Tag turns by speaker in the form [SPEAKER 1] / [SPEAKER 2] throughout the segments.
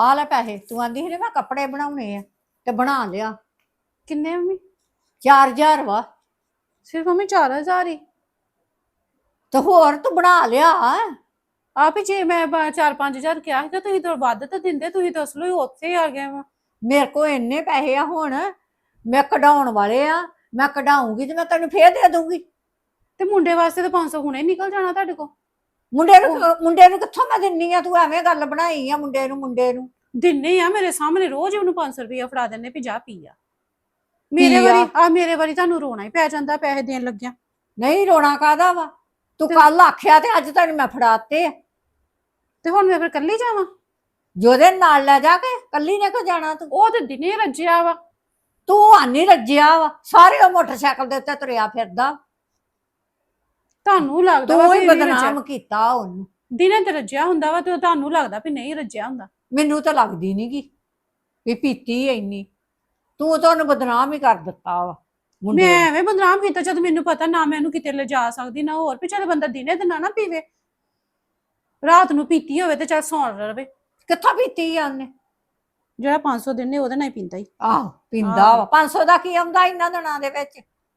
[SPEAKER 1] ਆ ਲੈ ਪੈਸੇ। ਤੂੰ ਆਂਦੀ ਸੀ ਮੈਂ ਕੱਪੜੇ ਬਣਾਉਣੇ ਆ ਤੇ ਬਣਾ ਲਿਆ।
[SPEAKER 2] ਕਿੰਨੇ ਮੰਮੀ?
[SPEAKER 1] 4000 ਵਾ।
[SPEAKER 2] ਸਿਰਫ ਮੰਮੀ 4000 ਹੀ?
[SPEAKER 1] ਤੇ ਹੋਰ ਤੂੰ ਬਣਾ ਲਿਆ।
[SPEAKER 2] ਆਪ ਹੀ ਜੇ ਮੈਂ 4-5000 ਕਿਹਾ ਸੀਗਾ ਤੁਸੀਂ ਤਾਂ ਵੱਧ ਤਾਂ ਦਿੰਦੇ, ਤੁਸੀਂ ਤਾਂ ਅਸਲੋਂ ਹੀ ਉੱਥੇ ਆ ਗਏ ਵਾ।
[SPEAKER 1] ਮੇਰੇ ਕੋਲ ਇੰਨੇ ਪੈਸੇ ਆ ਹੁਣ, ਮੈਂ ਕਢਾਉਣ ਵਾਲੇ ਆ। ਮੈਂ ਕਢਾਉਂਗੀ ਤੇ ਮੈਂ ਤੈਨੂੰ ਫੇਰ ਦੇ ਦੂੰਗੀ।
[SPEAKER 2] ਤੇ ਮੁੰਡੇ ਵਾਸਤੇ ਤਾਂ 500 ਹੁਣੇ ਨਿਕਲ ਜਾਣਾ ਤੁਹਾਡੇ ਕੋਲ।
[SPEAKER 1] ਮੁੰਡੇ ਨੂੰ ਕਿੱਥੋਂ ਮੈਂ ਦਿੰਨੀ ਆ? ਤੂੰ ਐਵੇਂ ਗੱਲ ਬਣਾਈ ਆ। ਮੁੰਡੇ ਨੂੰ
[SPEAKER 2] ਦਿੰਨੇ ਆ ਮੇਰੇ ਸਾਹਮਣੇ, ਰੋਜ਼ ਉਹਨੂੰ 500 ਰੁਪਇਆ ਫੜਾ ਦਿੰਨੇ ਵੀ ਜਾ ਪੀ ਆ। ਮੇਰੇ ਵਾਰੀ ਤੁਹਾਨੂੰ ਰੋਣਾ ਹੀ ਪੈ ਜਾਂਦਾ ਪੈਸੇ ਦੇਣ ਲੱਗਿਆ।
[SPEAKER 1] ਨਹੀਂ ਰੋਣਾ ਕਾਹਦਾ ਵਾ? ਤੂੰ ਕੱਲ ਆਖਿਆ ਤੇ ਅੱਜ ਤੈਨੂੰ ਮੈਂ ਫੜਾਤੇ।
[SPEAKER 2] ਤੇ ਹੁਣ ਮੈਂ ਫਿਰ ਕੱਲੀ ਜਾਵਾਂ?
[SPEAKER 1] ਜੋਦੇ ਨਾਲ ਲੈ ਜਾ ਕੇ। ਕੱਲੀ ਨੇ ਕਿਉਂ ਜਾਣਾ ਤੂੰ?
[SPEAKER 2] ਉਹ ਤੇ ਦਿਨੇ ਰੱਜਿਆ ਵਾ।
[SPEAKER 1] ਤੂੰ ਆਨੀ ਰੱਜਿਆ ਵਾ। ਸਾਰੇ ਉਹ ਮੋਟਰਸਾਈਕਲ ਦੇ ਉੱਤੇ ਤੁਰਿਆ ਫਿਰਦਾ।
[SPEAKER 2] ਤੁਹਾਨੂੰ ਲੱਗਦਾ
[SPEAKER 1] ਤੂੰ ਹੀ ਬਦਨਾਮ ਕੀਤਾ ਉਹਨੂੰ।
[SPEAKER 2] ਦਿਨੇ ਤੇ ਰੱਜਿਆ ਹੁੰਦਾ ਵਾ ਤੇ ਤੁਹਾਨੂੰ ਲੱਗਦਾ ਵੀ ਨਹੀਂ ਰੱਜਿਆ ਹੁੰਦਾ।
[SPEAKER 1] ਮੈਨੂੰ ਤਾਂ ਲੱਗਦੀ ਨੀ ਗੀ ਵੀ ਪੀਤੀ ਇੰਨੀ। ਤੂੰ ਤਾਂ ਉਹਨੂੰ ਬਦਨਾਮ ਹੀ ਕਰ ਦਿੱਤਾ ਵਾ।
[SPEAKER 2] ਮੈਂ ਐਵੇਂ ਬਦਨਾਮ ਕੀਤਾ ਜਦ ਮੈਨੂੰ ਪਤਾ ਨਾ ਮੈਂ ਇਹਨੂੰ ਕਿਤੇ ਲਿਜਾ ਸਕਦੀ ਨਾ ਹੋਰ। ਪਿੱਛੇ ਬੰਦਾ ਦਿਨੇ ਤੇ ਨਾ ਪੀਵੇ, ਰਾਤ ਨੂੰ ਪੀਤੀ ਹੋਵੇ ਤੇ ਚੱਲ ਸੌਣ ਰਵੇ।
[SPEAKER 1] ਕਿੱਥੋਂ ਪੀਤੀ ਆ ਉਹਨੇ?
[SPEAKER 2] ਜਿਹੜਾ 500 ਦਿਨੇ ਉਹਦੇ ਨਾਲ ਹੀ ਪੀਂਦਾ ਹੀ।
[SPEAKER 1] ਆਹੋ ਪੀਂਦਾ ਵਾ। 500 ਦਾ ਕੀ ਆਉਂਦਾ ਇਹਨਾਂ ਦਿਨਾਂ ਦੇ ਵਿੱਚ?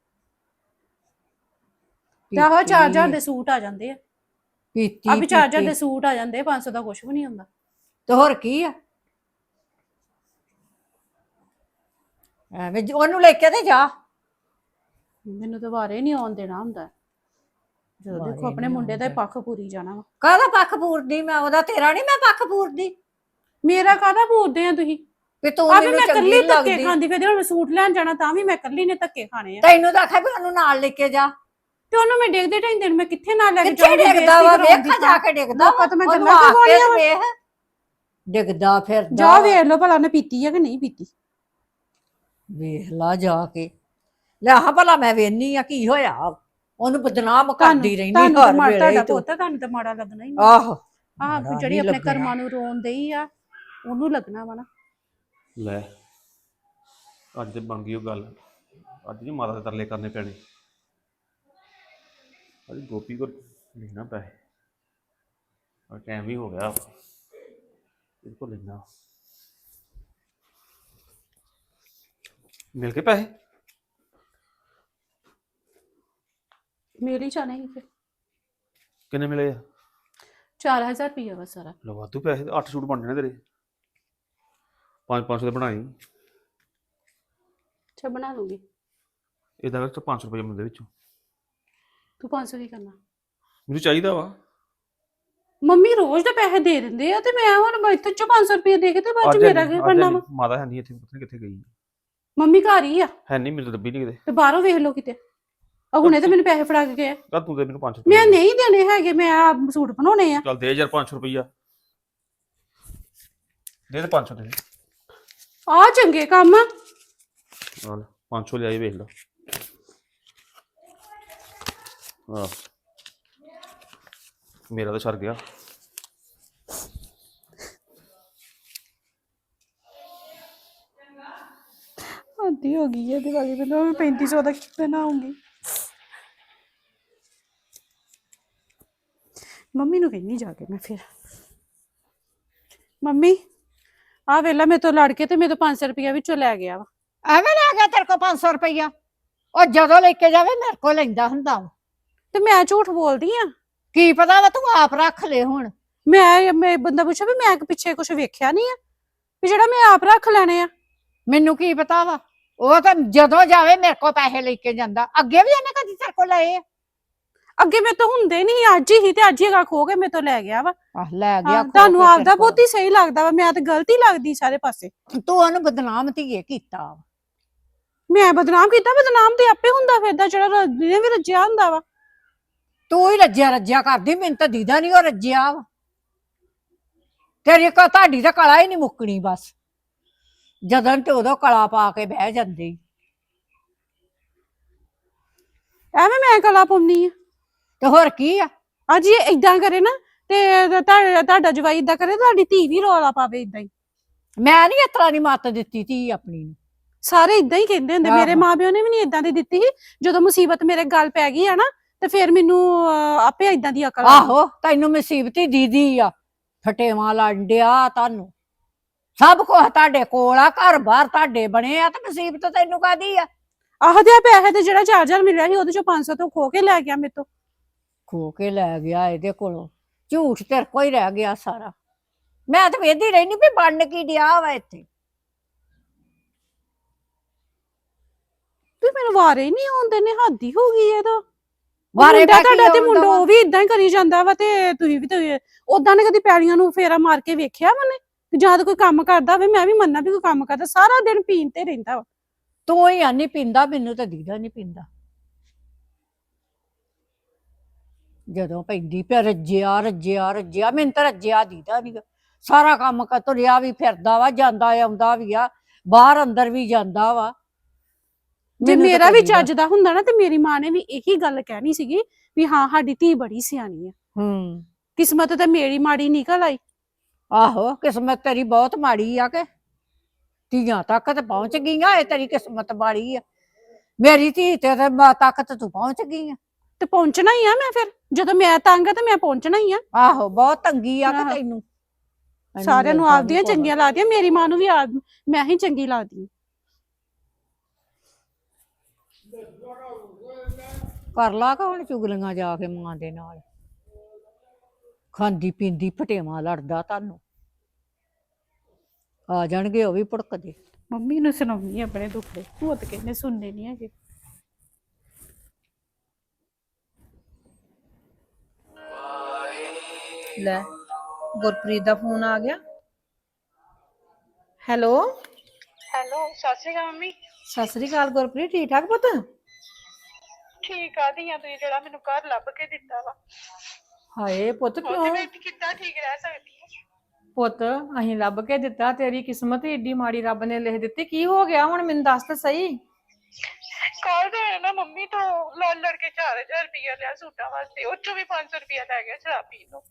[SPEAKER 2] ਤੇ ਆਹੋ 4000 ਦੇ ਸੂਟ ਆ ਜਾਂਦੇ ਆ।
[SPEAKER 1] ਪੀਤੀ
[SPEAKER 2] ਆ ਵੀ 4000 ਦੇ ਸੂਟ ਆ ਜਾਂਦੇ, 500 ਦਾ ਕੁਛ ਵੀ ਨਹੀਂ ਹੁੰਦਾ।
[SPEAKER 1] ਤੇ ਹੋਰ ਕੀ ਆ? ਐਵੇਂ ਉਹਨੂੰ ਲੈ ਕੇ ਤੇ ਜਾ।
[SPEAKER 2] ਮੈਨੂੰ ਤਾਂ ਵਾਰੇ ਨਹੀਂ ਆਉਣ ਦੇਣਾ ਹੁੰਦਾ। ਜਦੋਂ ਦੇਖੋ ਆਪਣੇ ਮੁੰਡੇ ਦਾ ਪੱਖ ਪੂਰੀ ਜਾਣਾ ਵਾ।
[SPEAKER 1] ਕਾਹਦਾ ਪੱਖ ਪੂਰਦੀ ਮੈਂ? ਉਹਦਾ ਤੇਰਾ ਨਹੀਂ ਮੈਂ ਪੱਖ ਪੂਰਦੀ।
[SPEAKER 2] ਮੇਰਾ ਕਾਹਦਾ ਪੂਰਦੇ ਆ ਤੁਸੀਂ?
[SPEAKER 1] ਵੀ ਤੂੰ
[SPEAKER 2] ਮੈਨੂੰ ਚੰਗੀ ਧੱਕੇ ਖਾਂਦੀ ਫਿਰ ਹੁਣ ਸੂਟ ਲੈਣ ਜਾਣਾ ਤਾਂ ਵੀ ਮੈਂ ਕੱਲੀ ਨੇ ਧੱਕੇ ਖਾਣੇ ਆ।
[SPEAKER 1] ਤੈਨੂੰ ਤਾਂ ਆਖਿਆ ਵੀ ਉਹਨੂੰ ਨਾਲ ਲੈ ਕੇ ਜਾ।
[SPEAKER 2] ਤੇ ਉਹਨੂੰ ਮੈਂ ਡਿੱਗਦੇ ਢਾਈਂਦੇ ਨੂੰ ਮੈਂ ਕਿੱਥੇ ਨਾਲ ਲੈ ਕੇ
[SPEAKER 1] ਜਾਵਾਂਗੀ? ਡਿੱਗਦਾ ਵਾ ਵੇਖ ਜਾ ਕੇ ਡਿੱਗਦਾ ਵਾ।
[SPEAKER 2] ਤਾਂ ਮੈਂ ਗੱਲਾਂ ਕਰਵਾਉਣੀਆਂ
[SPEAKER 1] ਵੇਖ ਡਿੱਗਦਾ ਫਿਰਦਾ।
[SPEAKER 2] ਜਾ ਵੇਖ ਲਓ ਭਲਾ ਉਹਨੇ ਪੀਤੀ ਆ ਕਿ ਨਹੀਂ ਪੀਤੀ।
[SPEAKER 1] ਵੇਖ ਲਾ ਜਾ ਕੇ। ਲੈ ਹਾਂ ਭਲਾ ਮੈਂ ਵੇਖਨੀ ਆ ਕੀ ਹੋਇਆ। ਉਹਨੂੰ ਬਦਨਾਮ ਕਰਦੀ ਰਹਿੰਦੀ ਹਰ ਵੇਲੇ।
[SPEAKER 2] ਤੁਹਾਡਾ ਪੁੱਤ ਤੁਹਾਨੂੰ ਤਾਂ ਮਾੜਾ ਲੱਗਣਾ ਹੀ।
[SPEAKER 1] ਆਹੋ
[SPEAKER 2] ਆਹ ਜਿਹੜੀ ਆਪਣੇ ਕਰਮਾਂ ਨੂੰ ਰੋਣ ਦਈ ਆ ਉਹਨੂੰ ਲੱਗਣਾ ਵਾ ਨਾ।
[SPEAKER 3] ਲੈ ਅੱਜ ਤੇ ਬਣ ਗਈ ਉਹ ਗੱਲ। ਅੱਜ ਨਹੀਂ ਮਾਤਾ ਦੇ ਤਰਲੇ ਕਰਨੇ ਪੈਣੇ। ਅੱਜ ਗੋਪੀ ਕੋਲ ਲੈਣਾ ਪੈਸੇ। ਔਰ ਟਾਈਮ ਵੀ ਹੋ ਗਿਆ, ਇਹਦੇ ਕੋਲ ਲੈਣਾ। ਮਿਲ ਕੇ ਪੈਸੇ
[SPEAKER 2] ਮਿਲ ਹੀ ਜਾਣੇ ਸੀ।
[SPEAKER 3] ਕਿੰਨੇ ਮਿਲੇ ਆ?
[SPEAKER 2] 4000 ਰੁਪਇਆ ਵਾ ਸਾਰਾ।
[SPEAKER 3] ਲੋ ਵਾਧੂ ਪੈਸੇ। 8 ਸੂਟ ਬਣ ਜਾਣੇ ਤੇਰੇ। 500 ਦੇ ਬਣਾਈ।
[SPEAKER 2] ਅੱਛਾ ਬਣਾ ਲੂੰਗੀ।
[SPEAKER 3] ਇਹਦਾ ਵਿੱਚ 500 ਰੁਪਏ ਮਿਲਦੇ ਵਿੱਚੋਂ।
[SPEAKER 2] ਤੂੰ 500 ਕੀ ਕਰਨਾ?
[SPEAKER 3] ਮੈਨੂੰ ਚਾਹੀਦਾ ਵਾ।
[SPEAKER 2] ਮੰਮੀ ਰੋਜ਼ ਦੇ ਪੈਸੇ ਦੇ ਦਿੰਦੇ ਆ ਤੇ ਮੈਂ ਹੁਣ ਇੱਥੇ ਚੋਂ 500 ਰੁਪਏ ਦੇ ਕੇ ਤੇ ਬਾਅਦ ਚ ਮੇਰਾ ਕੀ ਬਣਨਾ ਵਾ?
[SPEAKER 3] ਮਾਤਾ ਹੈ ਨਹੀਂ ਇੱਥੇ, ਪਤਾ ਨਹੀਂ ਕਿੱਥੇ ਗਈ।
[SPEAKER 2] ਮੰਮੀ ਘਰ ਹੀ ਆ।
[SPEAKER 3] ਹੈ ਨਹੀਂ, ਮੈਨੂੰ ਤਾਂ ਲੱਭੀ ਨਹੀਂ ਕਿਤੇ।
[SPEAKER 2] ਤੇ ਬਾਹਰੋਂ ਵੇਖ ਲਓ ਕਿਤੇ। ਹੁਣੇ ਤੇ ਮੈਨੂੰ ਪੈਸੇ ਫੜਾ ਕੇ ਗਏ।
[SPEAKER 3] ਚੱਲ ਤੂੰ ਦੇ ਮੈਨੂੰ 500 ਰੁਪਏ।
[SPEAKER 2] ਮੈਂ ਨਹੀਂ ਦੇਣੇ ਹੈਗੇ, ਮੈਂ ਆ ਸੂਟ ਬਣਾਉਣੇ ਆ।
[SPEAKER 3] ਚੱਲ ਦੇ ਯਾਰ 500 ਰੁਪਈਆ ਦੇ। 500 ਦੇ
[SPEAKER 2] ਆ ਚੰਗੇ ਕੰਮ ਆ।
[SPEAKER 3] ਨਾਲ 500 ਲਿਆਈ ਵੇਖ ਲਾ। ਆਹ ਮੇਰਾ ਤਾਂ ਸਰ ਗਿਆ।
[SPEAKER 2] ਆਦੀ ਹੋ ਗਈ ਹੈ ਦਿਵਾਲੀ ਮੈਨੂੰ 3500 ਦਾ ਬਣਾਉਂਗੀ। ਮੰਮੀ ਨੂੰ ਕਹਿੰਨੀ ਜਾ ਕੇ ਮੈਂ ਫਿਰ। ਮੰਮੀ ਆ ਵੇਲਾ ਮੇਰੇ ਤੋਂ ਲੜ ਕੇ ਤੇ ਮੇਰੇ ਤੋਂ 500 ਰੁਪਇਆ ਵਿੱਚੋਂ ਲੈ ਗਿਆ ਵਾ।
[SPEAKER 1] ਐਵੇਂ ਲੈ ਗਿਆ ਤੇਰੇ ਕੋਲ 500 ਰੁਪਇਆ? ਉਹ ਜਦੋਂ ਲੈ ਕੇ ਜਾਵੇ ਮੇਰੇ ਕੋਲ ਲੈਂਦਾ ਹੁੰਦਾ ਵਾ।
[SPEAKER 2] ਤੇ ਮੈਂ ਝੂਠ ਬੋਲਦੀ ਆ?
[SPEAKER 1] ਕੀ ਪਤਾ ਵਾ, ਤੂੰ ਆਪ ਰੱਖ ਲੈ ਹੁਣ।
[SPEAKER 2] ਮੈਂ ਬੰਦਾ ਪੁੱਛਿਆ ਵੀ ਮੈਂ ਪਿੱਛੇ ਕੁਝ ਵੇਖਿਆ ਨਹੀਂ ਆ ਵੀ ਜਿਹੜਾ ਮੈਂ ਆਪ ਰੱਖ ਲੈਣੇ ਆ?
[SPEAKER 1] ਮੈਨੂੰ ਕੀ ਪਤਾ ਵਾ। ਉਹ ਤਾਂ ਜਦੋਂ ਜਾਵੇ ਮੇਰੇ ਕੋਲ ਪੈਸੇ ਲੈ ਕੇ ਜਾਂਦਾ। ਅੱਗੇ ਵੀ ਇਹਨੇ ਕਦੀ ਤੇਰੇ ਕੋਲ ਲਏ ਆ?
[SPEAKER 2] ਅੱਗੇ ਮੇਰੇ ਤੋਂ ਹੁੰਦੇ ਨਹੀਂ, ਅੱਜ ਹੀ ਤੇ ਅੱਜ ਹੀ ਖੋ ਕੇ ਮੇਰੇ ਤੋਂ ਲੈ ਗਿਆ ਵਾ।
[SPEAKER 1] ਲੈ ਗਿਆ।
[SPEAKER 2] ਤੁਹਾਨੂੰ ਆਪਦਾ ਬਹੁਤ ਹੀ ਸਹੀ ਲੱਗਦਾ ਵਾ, ਮੈਂ ਤਾਂ ਗਲਤੀ ਲੱਗਦੀ ਸਾਰੇ ਪਾਸੇ।
[SPEAKER 1] ਤੂੰ ਉਹਨੂੰ ਬਦਨਾਮ ਧੀਏ ਕੀਤਾ ਵਾ।
[SPEAKER 2] ਮੈਂ ਬਦਨਾਮ ਕੀਤਾ? ਬਦਨਾਮ ਤੇ ਆਪੇ ਹੁੰਦਾ ਫਿਰਦਾ ਜਿਹੜਾ ਜਿਹਨੇ ਵੀ ਰੱਜਿਆ ਹੁੰਦਾ ਵਾ।
[SPEAKER 1] ਤੂੰ ਹੀ ਰੱਜਿਆ ਕਰਦੀ। ਮੈਨੂੰ ਤਾਂ ਦੀਦਾ ਨਹੀਂ ਉਹ ਰੱਜਿਆ ਵਾ। ਤੇਰੀ ਤੁਹਾਡੀ ਤਾਂ ਕਲਾ ਹੀ ਨਹੀਂ ਮੁੱਕਣੀ ਬਸ। ਜਦੋਂ ਤੇ ਉਦੋਂ ਕਲਾ ਪਾ ਕੇ ਬਹਿ ਜਾਂਦੀ।
[SPEAKER 2] ਐਵੇਂ ਮੈਂ ਕਲਾ ਪਾਉਣੀ ਆ
[SPEAKER 1] ਤੇ ਹੋਰ ਕੀ ਆ?
[SPEAKER 2] ਅੱਜ ਇਹ ਏਦਾਂ ਕਰੇ ਨਾ ਤੇ ਤੁਹਾਡਾ ਜਵਾਈ ਏਦਾਂ ਕਰੇ, ਤੁਹਾਡੀ ਧੀ ਵੀ ਰੌਲਾ ਪਾਵੇ ਏਦਾਂ ਹੀ।
[SPEAKER 1] ਮੈਂ ਨਹੀਂ ਇਸ ਤਰ੍ਹਾਂ ਦੀ ਮੱਤ ਦਿੱਤੀ ਧੀ ਆਪਣੀ ਨੂੰ।
[SPEAKER 2] ਸਾਰੇ ਏਦਾਂ ਹੀ ਕਹਿੰਦੇ ਹੁੰਦੇ। ਮੇਰੇ ਮਾਪਿਓ ਨੇ ਵੀ ਨਹੀਂ ਏਦਾਂ ਦੀ ਦਿੱਤੀ ਸੀ। ਜਦੋਂ ਮੁਸੀਬਤ ਮੇਰੇ ਗੱਲ ਪੈ ਗਈ ਆ ਨਾ ਤੇ ਫਿਰ ਮੈਨੂੰ ਆਪੇ ਏਦਾਂ ਦੀ ਅਕਲ।
[SPEAKER 1] ਆਹੋ ਤੈਨੂੰ ਮੁਸੀਬਤੀ ਦੀਦੀ ਆ। ਫਟੇਵਾਂ ਲੰਡਿਆ ਤੁਹਾਨੂੰ। ਸਭ ਕੁਝ ਤੁਹਾਡੇ ਕੋਲ ਆ, ਘਰ ਬਾਹਰ ਤੁਹਾਡੇ ਬਣੇ ਆ, ਤੇ ਮੁਸੀਬਤ ਤੈਨੂੰ ਕਾਦੀ ਆ?
[SPEAKER 2] ਆਹਦੇ ਆ ਪੈਸੇ ਤੇ ਜਿਹੜਾ 4000 ਮਿਲਿਆ ਸੀ ਉਹਦੇ ਚੋਂ 500 ਤੋਂ ਖੋ ਕੇ ਲੈ ਗਿਆ ਮੇਰੇ ਤੋਂ।
[SPEAKER 1] ਖੋ ਕੇ ਲੈ ਗਿਆ ਇਹਦੇ ਕੋਲੋਂ, ਝੂਠ ਤੇਰੇ ਕੋਲ ਹੀ ਰਹਿ ਗਿਆ ਸਾਰਾ। ਮੈਂ ਤਾਂ ਵੇਖਦੀ ਰਹਿਣੀ ਵੀ ਬਣ ਕੀ ਡਿਆ ਵਾ ਇੱਥੇ।
[SPEAKER 2] ਤੂੰ ਮੈਨੂੰ ਵਾਰੇ ਹੀ ਨਹੀਂ ਆਉਂਦੇ ਨੇ, ਹੱਦ ਹੀ ਹੋ ਗਈ ਇਹਦਾ।
[SPEAKER 1] ਵਾਰੇ
[SPEAKER 2] ਮੁੰਡਾ
[SPEAKER 1] ਪੈ ਕੇ
[SPEAKER 2] ਤੁਹਾਡਾ ਤੇ
[SPEAKER 1] ਆਉਂਦਾ
[SPEAKER 2] ਮੁੰਡਾ
[SPEAKER 1] ਵਾ।
[SPEAKER 2] ਉਹ ਵੀ ਇਦਾਂ ਹੀ ਕਰੀ ਜਾਂਦਾ ਵਾ, ਤੇ ਤੁਸੀਂ ਵੀ ਤੇ ਉਦਾਂ ਨੇ ਕਦੀ ਪੈਲੀਆਂ ਨੂੰ ਫੇਰਾ ਮਾਰ ਕੇ ਵੇਖਿਆ ਮਨੇ? ਜਦ ਕੋਈ ਕੰਮ ਕਰਦਾ ਹੋਵੇ ਮੈਂ ਵੀ ਮੰਨਣਾ ਵੀ ਕੋਈ ਕੰਮ ਕਰਦਾ, ਸਾਰਾ ਦਿਨ ਪੀਣ ਤੇ ਰਹਿੰਦਾ ਵਾ।
[SPEAKER 1] ਤੂੰ ਹੀ ਨਹੀਂ ਪੀਂਦਾ, ਮੈਨੂੰ ਤਾਂ ਦੀਦਾ ਨਹੀਂ ਪੀਂਦਾ। ਜਦੋਂ ਪੈਂਦੀ ਪਿਆ ਰੱਜਿਆ ਰੱਜਿਆ ਰੱਜਿਆ, ਮੈਨੂੰ ਤਾਂ ਰੱਜਿਆ ਦੀਦਾ ਨੀ। ਸਾਰਾ ਕੰਮ ਕਰ ਤੁਰਿਆ ਵੀ ਫਿਰਦਾ ਵਾ, ਜਾਂਦਾ ਆਉਂਦਾ ਵੀ ਆ, ਬਾਹਰ ਅੰਦਰ ਵੀ ਜਾਂਦਾ ਵਾ।
[SPEAKER 2] ਜੇ
[SPEAKER 1] ਮੈਨੂੰ ਤਾਂ
[SPEAKER 2] ਮੇਰਾ ਵੀ
[SPEAKER 1] ਦੀਦਾ।
[SPEAKER 2] ਚੱਜ ਦਾ ਹੁੰਦਾ ਨਾ ਤੇ ਮੇਰੀ ਮਾਂ ਨੇ ਵੀ ਇਹੀ ਗੱਲ ਕਹਿਣੀ ਸੀਗੀ ਵੀ ਹਾਂ ਸਾਡੀ ਧੀ ਬੜੀ ਸਿਆਣੀ ਆ। ਕਿਸਮਤ ਤੇ ਮੇਰੀ ਮਾੜੀ ਨਿਕਲ ਆਈ।
[SPEAKER 1] ਆਹੋ, ਕਿਸਮਤ ਤੇਰੀ ਬਹੁਤ ਮਾੜੀ ਆ ਕਿ ਧੀਆਂ ਤੱਕ ਤੇ ਪਹੁੰਚ ਗਈਆਂ, ਇਹ ਤੇਰੀ ਕਿਸਮਤ ਮਾੜੀ ਆ। ਮੇਰੀ ਧੀ ਤੇ ਤੱਕ ਤੇ ਤੂੰ ਪਹੁੰਚ ਗਈ ਆ।
[SPEAKER 2] ਤੇ ਪਹੁੰਚਣਾ ਹੀ ਆ ਮੈਂ, ਫਿਰ ਜਦੋਂ ਮੈਂ ਤੰਗ ਆ ਤੇ ਮੈਂ ਪਹੁੰਚਣਾ ਹੀ ਆ।
[SPEAKER 1] ਆਹੋ, ਬਹੁਤ ਤੰਗੀ ਆ ਕਿ
[SPEAKER 2] ਆਹੋ।
[SPEAKER 1] ਤੈਨੂੰ।
[SPEAKER 2] ਸਾਰਿਆਂ ਨੂੰ ਆਪਦੀਆਂ ਚੰਗੀਆਂ ਲੱਗਦੀਆਂ, ਮੇਰੀ ਮਾਂ ਨੂੰ ਵੀ ਮੈਂ ਹੀ ਚੰਗੀ ਲੱਗਦੀ।
[SPEAKER 1] ਕਰ ਲਾ ਕਾ ਹੁਣ ਚੁਗਲੀਆਂ ਜਾ ਕੇ ਮਾਂ ਦੇ ਨਾਲ। ਖਾਂਦੀ ਪੀਂਦੀ ਫਟੇਵਾ ਲੜਦਾ ਤੁਹਾਨੂੰ। ਆ ਜਾਣਗੇ ਉਹ ਵੀ ਭੁੜਕਦੇ।
[SPEAKER 2] ਮੰਮੀ ਨੂੰ ਸੁਣਾਉਣੀ ਆਪਣੇ ਦੁੱਖੜੇ, ਉਹ ਤਾਂ ਕਹਿੰਦੇ ਸੁਣਨੇ ਨਹੀਂ ਹੈਗੇ।
[SPEAKER 4] ਲੈ ਗੁਰਪ੍ਰੀਤ ਦਾ ਫੋਨ ਆ ਗਿਆ। ਹੈਲੋ
[SPEAKER 5] ਹੈਲੋ, ਸਤਿ ਸ਼੍ਰੀ ਅਕਾਲ ਮੰਮੀ।
[SPEAKER 4] ਸਤਿ ਸ੍ਰੀ ਅਕਾਲ ਗੁਰਪ੍ਰੀਤ, ਠੀਕ ਠਾਕ ਪੁੱਤ?
[SPEAKER 5] ਠੀਕ ਆ ਧੀਆਂ, ਤੁਸੀਂ ਜਿਹੜਾ ਮੈਨੂੰ ਘਰ ਲੱਭ ਕੇ ਦਿੱਤਾ ਵਾ,
[SPEAKER 4] ਹਾਏ ਪੁੱਤ
[SPEAKER 5] ਉੱਥੇ
[SPEAKER 4] ਕਿਉਂ?
[SPEAKER 5] ਮੈਂ ਕਿੱਦਾਂ ਠੀਕ ਰਹਿ ਸਕਦੀ ਹਾਂ?
[SPEAKER 4] ਪੁੱਤ ਅਸੀਂ ਲੱਭ ਕੇ ਦਿੱਤਾ, ਤੇਰੀ ਕਿਸਮਤ ਹੀ ਏਡੀ ਮਾੜੀ ਰੱਬ ਨੇ ਲਿਖ ਦਿੱਤੀ। ਕੀ ਹੋ ਗਿਆ ਹੁਣ ਮੈਨੂੰ ਦੱਸ ਤਾਂ ਸਹੀ।
[SPEAKER 5] ਕੱਲ ਦੇ ਨਾ ਮੰਮੀ ਤੋਂ ਲੜ ਕੇ 4000 ਰੁਪਇਆ ਲਿਆ ਸੂਟਾਂ ਵਾਸਤੇ, ਉਹ ਚੋਂ ਵੀ 500 ਰੁਪਇਆ ਲੈ ਗਿਆ ਸ਼ਰਾਬ ਪੀਣ ਨੂੰ।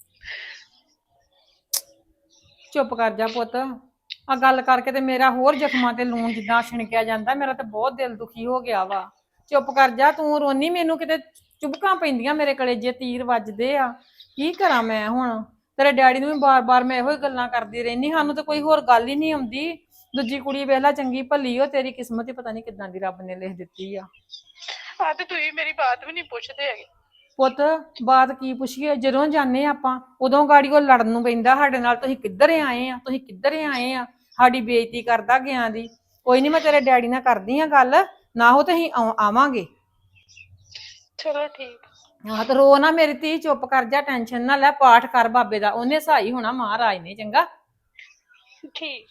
[SPEAKER 4] ਚੁੱਪ ਕਰ ਜਾ ਪੁੱਤ, ਆ ਗੱਲ ਕਰਕੇ ਤੇ ਮੇਰਾ ਹੋਰ ਜ਼ਖਮਾਂ ਤੇ ਲੂਣ ਜਿੱਦਾਂ ਛਿਣਕਿਆ ਜਾਂਦਾ, ਮੇਰਾ ਤੇ ਬਹੁਤ ਦਿਲ ਦੁਖੀ ਹੋ ਗਿਆ ਵਾ। ਚੁੱਪ ਕਰ ਜਾ, ਤੂੰ ਰੋਨੀ, ਮੈਨੂੰ ਕਿਤੇ ਚੁਬਕਾਂ ਪੈਂਦੀਆਂ, ਮੇਰੇ ਕਲੇਜੇ ਤੀਰ ਵੱਜਦੇ ਆ। ਕੀ ਕਰਾਂ ਮੈਂ ਹੁਣ? ਤੇਰੇ ਡੈਡੀ ਨੂੰ ਵੀ ਬਾਰ-ਬਾਰ ਮੈਂ ਇਹੋ ਹੀ ਗੱਲਾਂ ਕਰਦੀ ਰਹਿਨੀ, ਸਾਨੂੰ ਤਾਂ ਕੋਈ ਹੋਰ ਗੱਲ ਹੀ ਨਹੀਂ ਆਉਂਦੀ। ਦੂਜੀ ਕੁੜੀ ਵੇਖ ਲੈ ਚੰਗੀ ਭਲੀ, ਉਹ ਤੇਰੀ ਕਿਸਮਤ ਹੀ ਪਤਾ ਨਹੀਂ ਕਿੱਦਾਂ ਦੀ ਰੱਬ ਨੇ ਲਿਖ ਦਿੱਤੀ ਆ।
[SPEAKER 5] ਆ ਤੇ ਤੁਸੀਂ ਮੇਰੀ ਬਾਤ ਵੀ ਨਹੀਂ ਪੁੱਛਦੇ ਹੈਗੇ।
[SPEAKER 4] ਪੁੱਤ ਬਾਤ ਕੀ ਪੁੱਛੀਏ, ਜਦੋਂ ਜਾਂਦੇ ਆਪਾਂ ਉਦੋਂ ਗਾੜੀ ਉਹ ਲੜਨ ਨੂੰ ਪੈਂਦਾ ਸਾਡੇ ਨਾਲ। ਤੁਸੀਂ ਕਿੱਧਰ ਆਏ ਆ, ਤੁਸੀਂ ਕਿੱਧਰ ਆਏ ਆ, ਸਾਡੀ ਬੇਇੱਜ਼ਤੀ ਕਰਦਾ ਗਿਆ ਦੀ। ਕੋਈ ਨਹੀਂ, ਮੈਂ ਤੇਰੇ ਡੈਡੀ ਨਾਲ ਕਰਦੀ ਆ ਗੱਲ, ਨਾ ਹੋ ਤੇ ਅਸੀਂ ਆਵਾਂਗੇ।
[SPEAKER 5] ਚਲੋ ਠੀਕ।
[SPEAKER 4] ਹਾਂ ਤੇ ਰੋ ਨਾ ਮੇਰੀ ਧੀ, ਚੁੱਪ ਕਰ ਜਾ, ਟੈਨਸ਼ਨ ਨਾ ਲੈ, ਪਾਠ ਕਰ ਬਾਬੇ ਦਾ, ਉਹਨੇ ਸਹਾਈ ਹੋਣਾ ਮਹਾਰਾਜ ਨੇ। ਚੰਗਾ,
[SPEAKER 5] ਠੀਕ।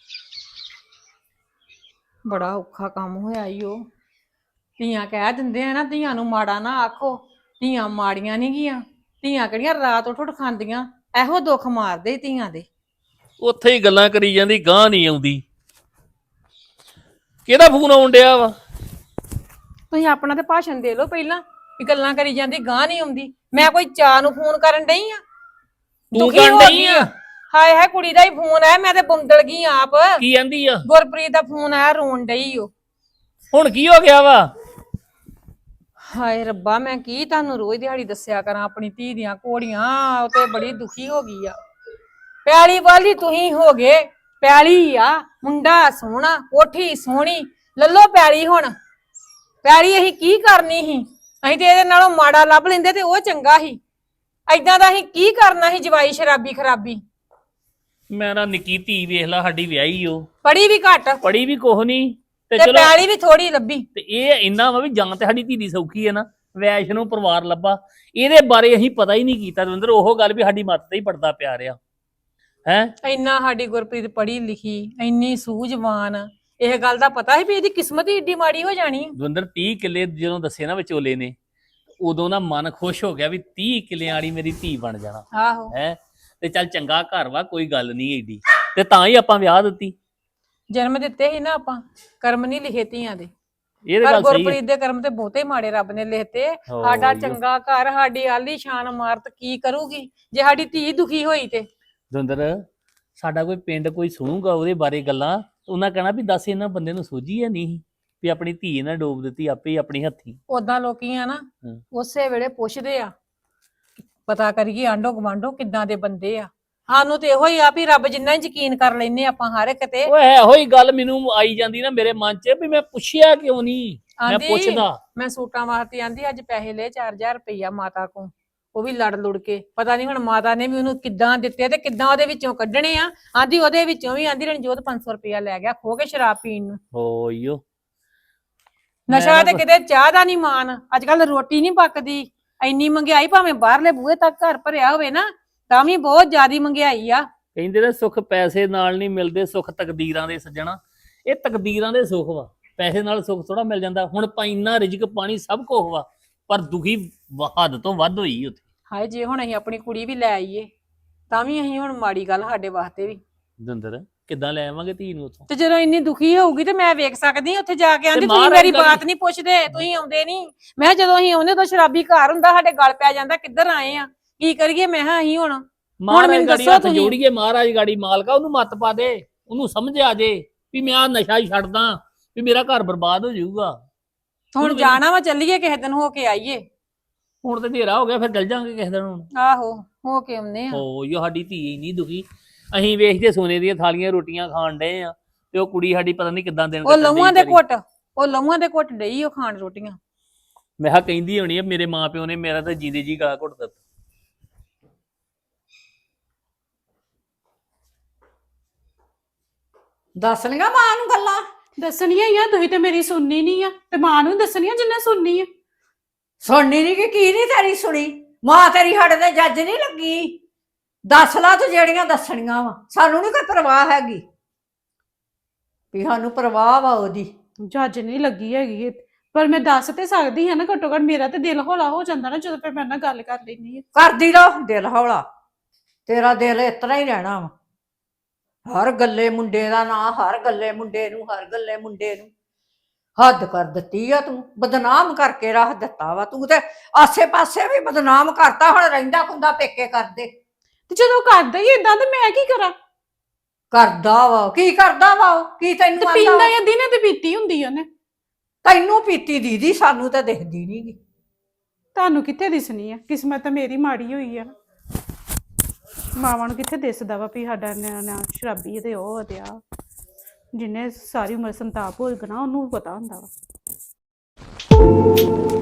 [SPEAKER 4] ਬੜਾ ਔਖਾ ਕੰਮ ਹੋਇਆ ਈ ਉਹ। ਧੀਆਂ ਕਹਿ ਦਿੰਦੇ ਆ ਨਾ, ਧੀਆਂ ਨੂੰ ਮਾੜਾ ਨਾ ਆਖੋ, ਧੀਆਂ ਮਾੜੀਆਂ ਨਹੀਂ ਗੀਆਂ। ਧੀਆਂ ਕਿਹੜੀਆਂ ਰਾਤ ਉੱਠ ਉੱਠ ਖਾਂਦੀਆਂ, ਇਹੋ ਦੁੱਖ ਮਾਰਦੇ ਧੀਆਂ ਦੇ।
[SPEAKER 6] ਉੱਥੇ ਹੀ ਗੱਲਾਂ ਕਰੀ ਜਾਂਦੀ, ਗਾਂ ਨਹੀਂ ਆਉਂਦੀ। ਕਿਹਦਾ ਫੋਨ ਆਉਣ ਡਿਆ ਵਾ?
[SPEAKER 4] ਤੁਸੀਂ ਆਪਣਾ ਤੇ ਭਾਸ਼ਣ ਦੇ ਲਓ ਪਹਿਲਾਂ, ਵੀ ਗੱਲਾਂ ਕਰੀ ਜਾਂਦੀ ਗਾਂ ਨਹੀਂ ਆਉਂਦੀ। ਮੈਂ ਕੋਈ ਚਾਹ ਨੂੰ ਫੋਨ ਕਰਨ ਡਈ ਆ?
[SPEAKER 6] ਤੂੰ ਕਰਨ ਡਈ ਆ?
[SPEAKER 4] ਹਾਏ ਹਾਏ, ਕੁੜੀ ਦਾ ਹੀ ਫੋਨ ਆਇਆ, ਮੈਂ ਤੇ ਬੰਦਲ ਗਈ ਆਪ।
[SPEAKER 6] ਕੀ ਆਂਦੀ ਆ?
[SPEAKER 4] ਗੁਰਪ੍ਰੀਤ ਦਾ ਫੋਨ ਆਇਆ, ਰੋਣ ਡਈ ਓ।
[SPEAKER 6] ਹੁਣ ਕੀ ਹੋ ਗਿਆ ਵਾ?
[SPEAKER 4] ਹਾਏ ਰੱਬਾ, ਮੈਂ ਕੀ ਤੁਹਾਨੂੰ ਰੋਜ਼ ਦਿਹਾੜੀ ਦੱਸਿਆ ਕਰਾਂ ਆਪਣੀ ਧੀ ਦੀਆਂ ਘੋੜੀਆਂ। ਉਹ ਤੇ ਬੜੀ ਦੁਖੀ ਹੋ ਗਈ ਆ। ਪਿਆਲੀ ਵਾਲੀ ਤੁਸੀਂ ਹੋ ਗਏ, ਪਿਆਲੀ ਆ, ਮੁੰਡਾ ਸੋਹਣਾ, ਕੋਠੀ ਸੋਹਣੀ, ਲੱਲੋ ਪਿਆਲੀ। ਹੁਣ ਪਿਆਲੀ ਅਸੀਂ ਕੀ ਕਰਨੀ ਸੀ? ਅਸੀਂ ਤੇ ਇਹਦੇ ਨਾਲੋਂ ਮਾੜਾ ਲੱਭ ਲੈਂਦੇ ਤੇ ਉਹ ਚੰਗਾ ਸੀ। ਏਦਾਂ ਦਾ ਅਸੀਂ ਕੀ ਕਰਨਾ ਸੀ? ਜਵਾਈ ਸ਼ਰਾਬੀ ਖਰਾਬੀ।
[SPEAKER 6] ਮੈਂ ਨਾ ਨਿੱਕੀ ਧੀ ਵੇਖ ਲਾ, ਸਾਡੀ ਵਿਆਹੀ ਓ,
[SPEAKER 4] ਪੜੀ ਵੀ ਘੱਟ
[SPEAKER 6] ਪੜੀ ਵੀ ਕੁਛ ਨਹੀਂ ਤੇ
[SPEAKER 4] ਤੇ
[SPEAKER 6] ਚਲੋ।
[SPEAKER 4] ਪਿਆਲੀ ਵੀ ਥੋੜੀ ਲੱਭੀ।
[SPEAKER 6] ਤੇ ਇਹ ਇੰਨਾ ਵਾ ਵੀ ਜਾਂ ਤੇ ਸਾਡੀ ਧੀ ਦੀ ਸੌਖੀ ਹੈ ਨਾ, ਵੈਸ਼ ਨੂੰ ਪਰਿਵਾਰ ਲੱਭਾ। ਇਹਦੇ ਬਾਰੇ ਅਸੀਂ ਪਤਾ ਹੀ ਨਹੀਂ ਕੀਤਾ ਦਵਿੰਦਰ। ਉਹ ਗੱਲ ਵੀ ਸਾਡੀ ਮੱਤ ਤੇ ਹੀ ਪੜਦਾ ਪਿਆ ਰਿਹਾ ਹੈ।
[SPEAKER 4] ਇੰਨਾ ਸਾਡੀ ਗੁਰਪ੍ਰੀਤ ਪੜ੍ਹੀ ਲਿਖੀ, ਇੰਨੀ ਸੂਝਵਾਨ, ਇਹ ਗੱਲ ਦਾ ਪਤਾ ਸੀ ਵੀ ਇਹਦੀ ਕਿਸਮਤ ਹੀ ਏਡੀ ਮਾੜੀ ਹੋ ਜਾਣੀ।
[SPEAKER 6] ਦਵਿੰਦਰ 30 ਕਿੱਲੇ ਜਦੋਂ ਦੱਸੇ ਨਾ ਵਿਚੋਲੇ ਨੇ, ਉਦੋਂ ਨਾ ਮਨ ਖੁਸ਼ ਹੋ ਗਿਆ ਵੀ 30 ਕਿੱਲਿਆਂ ਵਾਲੀ ਮੇਰੀ ਧੀ ਬਣ ਜਾਣਾ
[SPEAKER 4] ਆਹੋ,
[SPEAKER 6] ਹੈ। ਤੇ ਚੱਲ ਚੰਗਾ ਘਰ ਵਾ, ਕੋਈ ਗੱਲ ਨਹੀਂ ਏਡੀ, ਤੇ ਤਾਂ ਹੀ ਆਪਾਂ ਵਿਆਹ ਦਿੱਤੀ।
[SPEAKER 4] ਜਨਮ ਦਿੱਤੇ ਸੀ ਨਾ ਆਪਾਂ, ਕਰਮ ਨਹੀਂ ਲਿਖੇ ਧੀਆਂ ਦੇ।
[SPEAKER 6] ਇਹ ਤਾਂ
[SPEAKER 4] ਪਰ
[SPEAKER 6] ਗੱਲ ਸਹੀ ਹੈ।
[SPEAKER 4] ਗੁਰਪ੍ਰੀਤ ਦੇ ਕਰਮ ਤੇ ਬਹੁਤੇ ਮਾੜੇ ਰੱਬ ਨੇ ਲਿਖਤੇ। ਸਾਡਾ ਚੰਗਾ ਘਰ, ਸਾਡੀ ਆਲੀ ਸ਼ਾਨ ਇਮਾਰਤ ਕੀ ਕਰੂਗੀ ਜੇ ਸਾਡੀ ਧੀ ਦੁਖੀ ਹੋਈ ਤੇ?
[SPEAKER 6] ਦਵਿੰਦਰ, ਸਾਡਾ ਕੋਈ ਪਿੰਡ ਕੋਈ ਸੁਣੂਗਾ ਉਹਦੇ ਬਾਰੇ ਗੱਲਾਂ, ਉਹਨਾਂ ਕਹਿਣਾ ਵੀ ਦੱਸ ਇਹਨਾਂ ਬੰਦੇ ਨੂੰ ਸੋਝੀ ਹੈ ਨਹੀਂ ਵੀ ਆਪਣੀ ਧੀ ਇਹਨਾਂ ਡੋਬ ਦਿੱਤੀ ਆਪੇ ਹੀ ਆਪਣੀ ਹੱਥੀਂ।
[SPEAKER 4] ਓਦਾਂ ਲੋਕੀ ਆ ਨਾ ਉਸੇ ਵੇਲੇ ਪੁੱਛਦੇ ਆ, ਪਤਾ ਕਰੀਏ ਆਂਢੋ ਗਵਾਂਢੋ ਕਿੱਦਾਂ ਦੇ ਬੰਦੇ ਆ। ਸਾਨੂੰ ਤੇ ਇਹੋ ਹੀ ਆ ਵੀ ਰੱਬ ਜਿੰਨਾ ਹੀ ਯਕੀਨ ਕਰ ਲੈਨੇ ਆਪਾਂ ਹਰ ਇੱਕ ਤੇ।
[SPEAKER 6] ਓਏ ਇਹੋ ਹੀ ਗੱਲ ਮੈਨੂੰ ਆਈ ਜਾਂਦੀ ਨਾ ਮੇਰੇ ਮਨ 'ਚ ਵੀ ਮੈਂ ਪੁੱਛਿਆ ਕਿਉਂ ਨਹੀਂ, ਮੈਂ
[SPEAKER 4] ਆਂਦੀ
[SPEAKER 6] ਪੁੱਛਦਾ।
[SPEAKER 4] ਮੈਂ ਸੂਟਾਂ ਵਾਸਤੇ ਆਂਦੀ ਅੱਜ ਪੈਸੇ ਲਏ 4000 ਰੁਪਈਆ ਮਾਤਾ ਕੋਲ, ਉਹ ਵੀ ਲੜ ਲੁੜ ਕੇ ਪਤਾ ਨਹੀਂ ਹੁਣ ਮਾਤਾ ਨੇ ਵੀ ਉਹਨੂੰ ਕਿੱਦਾਂ ਦਿੱਤੇ ਤੇ ਕਿੱਦਾਂ ਉਹਦੇ ਵਿੱਚੋਂ ਕੱਢਣੇ ਆ। ਆਂਦੀ ਉਹਦੇ ਵਿੱਚੋਂ ਵੀ ਆਂਦੀ ਰਣਜੋਤ 500 ਰੁਪਈਆ ਲੈ ਗਿਆ ਖੋ ਕੇ ਸ਼ਰਾਬ ਪੀਣ ਨੂੰ।
[SPEAKER 6] ਹੋਈਓ
[SPEAKER 4] ਨਸ਼ਾ ਤੇ ਕਿਤੇ ਚਾਹ ਦਾ ਨਹੀਂ ਮਾਨ, ਅੱਜ ਕੱਲ ਰੋਟੀ ਨਹੀਂ ਪੱਕਦੀ, ਇੰਨੀ ਮਹਿੰਗਾਈ ਭਾਵੇਂ ਬਾਹਰਲੇ ਬੂਹੇ ਤੱਕ ਘਰ ਭਰਿਆ ਹੋਵੇ ਨਾ ਤਾਂ ਵੀ ਬਹੁਤ ਜ਼ਿਆਦੀ ਮਹਿੰਗਾਈ ਆ।
[SPEAKER 6] ਕਹਿੰਦੇ ਨੇ ਸੁੱਖ ਪੈਸੇ ਨਾਲ ਨਹੀਂ ਮਿਲਦੇ, ਸੁੱਖ ਤਕਦੀਰਾਂ ਦੇ ਸੱਜਣਾ। ਇਹ ਤਕਦੀਰਾਂ ਦੇ ਸੁੱਖ ਵਾ, ਪੈਸੇ ਨਾਲ ਸੁੱਖ ਥੋੜਾ ਮਿਲ ਜਾਂਦਾ। ਹੁਣ ਇੰਨਾ ਰਿਜ਼ਕ ਪਾਣੀ ਸਭ ਕੁਝ ਵਾ, ਪਰ ਦੁਖੀ ਹੱਦ ਤੋਂ ਵੱਧ ਹੋਈ ਉੱਥੇ।
[SPEAKER 4] ਹਾਏ ਜੇ ਹੁਣ ਅਸੀਂ ਆਪਣੀ ਕੁੜੀ ਵੀ ਲੈ ਆਈਏ ਤਾਂ ਵੀ ਅਸੀਂ ਹੁਣ ਮਾੜੀ ਗੱਲ ਸਾਡੇ ਵਾਸਤੇ ਵੀ।
[SPEAKER 6] ਦੰਦਰ ਕਿੱਦਾਂ ਲੈ ਆਵਾਂਗੇ ਧੀ ਨੂੰ ਉੱਥੋਂ?
[SPEAKER 4] ਤੇ ਜਦੋਂ ਇੰਨੀ ਦੁਖੀ ਹੋਊਗੀ ਤੇ ਮੈਂ ਵੇਖ ਸਕਦੀ ਉੱਥੇ ਜਾ ਕੇ। ਆਂਦੀ ਤੁਸੀਂ
[SPEAKER 6] ਮਹਾਰਾਜ
[SPEAKER 4] ਮੇਰੀ
[SPEAKER 6] ਦਾ
[SPEAKER 4] ਬਾਤ ਨਹੀਂ ਪੁੱਛਦੇ, ਤੁਸੀਂ ਆਉਂਦੇ ਨਹੀਂ। ਮੈਂ ਕਿਹਾ ਜਦੋਂ ਅਸੀਂ ਆਉਂਦੇ ਤਾਂ ਸ਼ਰਾਬੀ ਘਰ ਹੁੰਦਾ, ਸਾਡੇ ਗਲ ਪੈ ਜਾਂਦਾ ਕਿੱਧਰ ਆਏ ਆ, ਕੀ ਕਰੀਏ। ਮੈਂ ਕਿਹਾ ਅਸੀਂ ਹੁਣ
[SPEAKER 6] ਮਹਾਰਾਜ
[SPEAKER 4] ਮੈਨੂੰ
[SPEAKER 6] ਗਾੜੀ
[SPEAKER 4] ਦੱਸੋ
[SPEAKER 6] ਹੱਥ
[SPEAKER 4] ਤੁਸੀਂ।
[SPEAKER 6] ਜੋੜੀਏ, ਮਹਾਰਾਜ ਗਾੜੀ ਮਾਲਕਾ ਉਹਨੂੰ ਮੱਤ ਪਾ ਦੇ, ਉਹਨੂੰ ਸਮਝ ਆ ਜੇ ਵੀ ਮੈਂ ਆ ਨਸ਼ਾ ਹੀ ਛੱਡਦਾ ਵੀ ਮੇਰਾ ਘਰ ਬਰਬਾਦ ਹੋ ਜਾਊਗਾ।
[SPEAKER 4] ਹੁਣ ਜਾਣਾ ਵਾ, ਚੱਲੀਏ ਕਿਸੇ ਦਿਨ ਹੋ ਕੇ ਆਈਏ।
[SPEAKER 6] ਹੁਣ ਤੇ ਹਨੇਰਾ ਹੋ ਗਿਆ, ਫਿਰ ਚੱਲ ਜਾਾਂਗੇ ਕਿਸੇ ਦਿਨ। ਹੁਣ
[SPEAKER 4] ਆਹੋ ਹੋ ਕੇ ਆਉਂਦੇ ਆ।
[SPEAKER 6] ਹੋ ਜੋ ਸਾਡੀ ਧੀ ਇੰਨੀ ਦੁਖੀ, ਅਸੀਂ ਵੇਖਦੇ ਸੋਨੇ ਦੀਆਂ ਥਾਲੀਆਂ ਰੋਟੀਆਂ ਖਾਣ ਡਏ ਆ ਤੇ ਉਹ ਕੁੜੀ ਸਾਡੀ ਪਤਾ ਨਹੀਂ ਕਿੱਦਾਂ ਦਿਨ
[SPEAKER 4] ਉਹ ਲਹੂਆਂ ਦੇ ਘੁੱਟ, ਉਹ ਲਹੂਆਂ ਦੇ ਘੁੱਟ ਡਈ ਉਹ ਖਾਣ ਰੋਟੀਆਂ।
[SPEAKER 6] ਮੈਂ ਕਿਹਾ ਕਹਿੰਦੀ ਹੋਣੀ ਆ ਮੇਰੇ ਮਾਂ ਪਿਓ ਨੇ ਮੇਰਾ ਤਾਂ ਜੀਦੇ ਜੀ ਗਲਾ ਘੁੱਟ ਦਿੱਤਾ।
[SPEAKER 1] ਦੱਸ ਲਈਆਂ ਮਾਂ ਨੂੰ ਗੱਲਾਂ।
[SPEAKER 2] ਦੱਸਣੀਆਂ ਹੀ ਆ, ਤੁਸੀਂ ਤੇ ਮੇਰੀ ਸੁਣਨੀ ਨਹੀਂ ਆ ਤੇ ਮਾਂ ਨੂੰ ਦੱਸਣੀਆਂ ਜਿੰਨੇ ਸੁਣਨੀ ਆ।
[SPEAKER 1] ਸੁਣਨੀ ਨਹੀਂ ਕਿ ਕੀ ਨਹੀਂ ਤੇਰੀ ਸੁਣੀ? ਮਾਂ ਤੇਰੀ ਸਾਡੇ ਤੇ ਜੱਜ ਨਹੀਂ ਲੱਗੀ। ਦੱਸ ਲਾ ਤੂੰ ਜਿਹੜੀਆਂ ਦੱਸਣੀਆਂ ਵਾ, ਸਾਨੂੰ ਨਹੀਂ ਕੋਈ ਪਰਵਾਹ ਹੈਗੀ ਵੀ ਸਾਨੂੰ ਪਰਵਾਹ ਵਾ ਉਹਦੀ।
[SPEAKER 2] ਜੱਜ ਨਹੀਂ ਲੱਗੀ ਹੈਗੀ ਪਰ ਮੈਂ ਦੱਸ ਤੇ ਸਕਦੀ ਹਾਂ ਨਾ, ਘੱਟੋ ਘੱਟ ਮੇਰਾ ਤੇ ਦਿਲ ਹੌਲਾ ਹੋ ਜਾਂਦਾ ਨਾ ਜਦੋਂ ਫਿਰ ਮੈਂ ਨਾਲ ਗੱਲ ਕਰ ਲੈਂਦੀ ਆ।
[SPEAKER 1] ਕਰਦੀ ਰਹੋ ਦਿਲ ਹੌਲਾ, ਤੇਰਾ ਦਿਲ ਇਸ ਤਰ੍ਹਾਂ ਹੀ ਰਹਿਣਾ ਵਾ। ਹਰ ਗੱਲੇ ਮੁੰਡੇ ਦਾ ਨਾਂ, ਹਰ ਗੱਲੇ ਮੁੰਡੇ ਨੂੰ, ਹਰ ਗੱਲੇ ਮੁੰਡੇ ਨੂੰ। ਹੱਦ ਕਰ ਦਿੱਤੀ ਆ ਤੂੰ, ਬਦਨਾਮ ਕਰਕੇ ਰੱਖ ਦਿੱਤਾ ਵਾ ਤੂੰ ਤੇ। ਆਸੇ ਪਾਸੇ ਵੀ ਬਦਨਾਮ ਕਰਤਾ, ਹੁਣ ਰਹਿੰਦਾ ਖੁੰਦਾ ਪੇਕੇ ਕਰਦੇ।
[SPEAKER 2] ਤੇ ਜਦੋਂ ਕਰਦਾ ਹੀ ਏਦਾਂ ਤੇ ਮੈਂ ਕੀ ਕਰਾਂ?
[SPEAKER 1] ਕਰਦਾ ਵਾ ਕੀ ਕਰਦਾ ਵਾ ਉਹ? ਕੀ ਤੈਨੂੰ
[SPEAKER 2] ਤੇ
[SPEAKER 1] ਆਂਦਾ
[SPEAKER 2] ਪੀਂਦਾ
[SPEAKER 1] ਵਾ?
[SPEAKER 2] ਜਾਂ ਦਿਨੇ ਤੇ ਪੀਤੀ ਹੁੰਦੀ ਉਹਨੇ।
[SPEAKER 1] ਤੈਨੂੰ ਪੀਤੀ ਦੀਦੀ, ਸਾਨੂੰ ਤਾਂ ਦਿਖਦੀ ਨੀ ਗੀ।
[SPEAKER 2] ਤੁਹਾਨੂੰ ਕਿੱਥੇ ਦਿਸਣੀ ਆ? ਕਿਸਮਤ ਤਾਂ ਮੇਰੀ ਮਾੜੀ ਹੋਈ ਆ। ਮਾਵਾਂ ਨੂੰ ਕਿੱਥੇ ਦਿਸਦਾ ਵਾ ਵੀ ਸਾਡਾ ਨਿਆਣਾ ਸ਼ਰਾਬੀ ਤੇ ਉਹ ਤੇ ਆ। ਜਿਹਨੇ ਸਾਰੀ ਉਮਰ ਸੰਤਾਪ ਭੋਗਣਾ ਉਹਨੂੰ ਪਤਾ ਹੁੰਦਾ ਵਾ।